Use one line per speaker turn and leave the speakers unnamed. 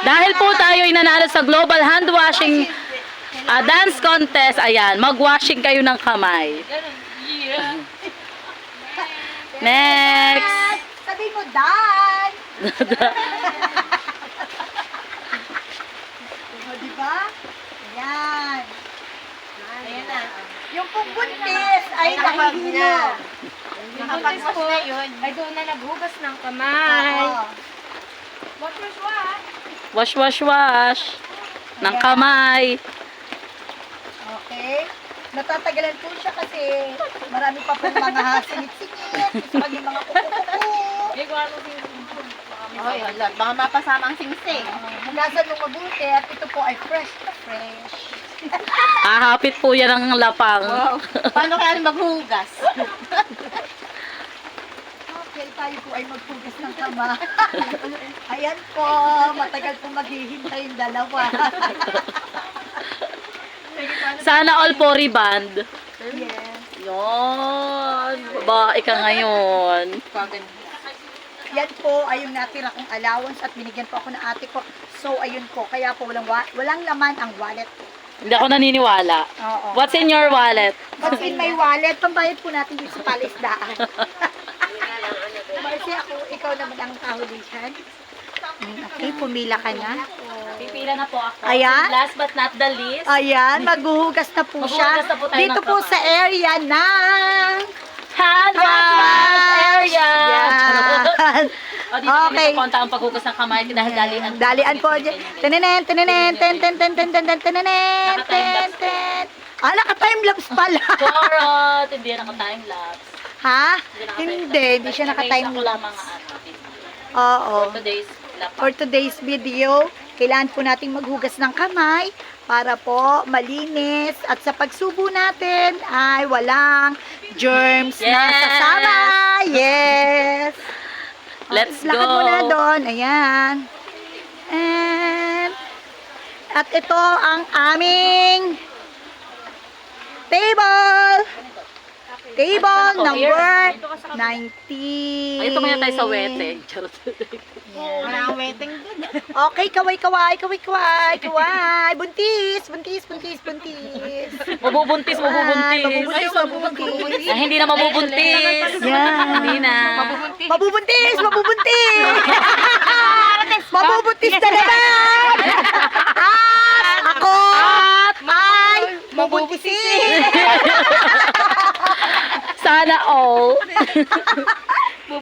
Dahil po tayo nanalo sa Global Hand Washing Dance Contest, ayan, mag-washing kayo ng kamay. Next!
Sabi mo, Dan! O, diba? Ayan.
Ayan na.
Yung pong buntis ay nahihilo.
Yung buntis po, ay doon na naghugas ng kamay.
Oo.
Wash, wash, wash. Ng kamay.
Okay. Natatagalan po siya kasi marami pa pong mga singit-singit. Sa kanyang mga kuku-kuku.
Oh, yun, Lord. Baka mapasama ang sing-sing.
Hugasan mo mabuti at ito po ay fresh na fresh.
Hahapit po yan ang lapang.
Wow. Paano kaya maghugas?
Okay, tayo po ay maghugas ng kama. Ayan po, matagal po maghihintay yung dalawa.
Sana all po rebound.
Yes.
Yun. Babae ka ngayon.
Yan po ay yung natira kong allowance at binigyan po ako ng ate ko. So, ayun po. Kaya po walang laman ang wallet.
Hindi ako naniniwala.
Oo.
What's in your wallet?
What's in my wallet? Pambayad po natin dito sa palisdaan. Marcy, ikaw naman ang kahulihan. Okay, pumila ka na.
Pipila na po ako.
Ayan.
Last but not the least.
Ayan, maghuhugas na po siya.
Maghuhugas na po tayo
Dito
ng
po
kamay.
sa area ng
Hand wash area.
Yan.
O, dito
Okay.
okay. Konta ang paghugas ng kamay dahil dalian.
Dalian po. Tenenen, tenenen, ten, ten, ten, ten, ten, ten, tenenen, ten, ten. Ah, naka-timelapse pala.
Charot! Hindi yan naka-time lapse.
Ha? Hindi siya
Mga
naka-timelapse.
ano,
Oo.
today's lapang.
For today's video, kailangan po nating maghugas ng kamay para po malinis at sa pagsubo natin ay walang germs na
Yes!
sasama. Yes!
Let's
Lakad
go!
muna doon. Ayan. And, at ito ang aming table. Table number 19.
Ay, ito muna tayo sa wete. Charot.
Wala ang waiting dun.
Okay, kaway. Buntis.
Mabubuntis.
Mabubuntis.
Ay, hindi na mabubuntis.
Yan.
Hindi na.
Mabubuntis. Mabubuntis na naman. At ako ay mabubuntisin.
Sana all.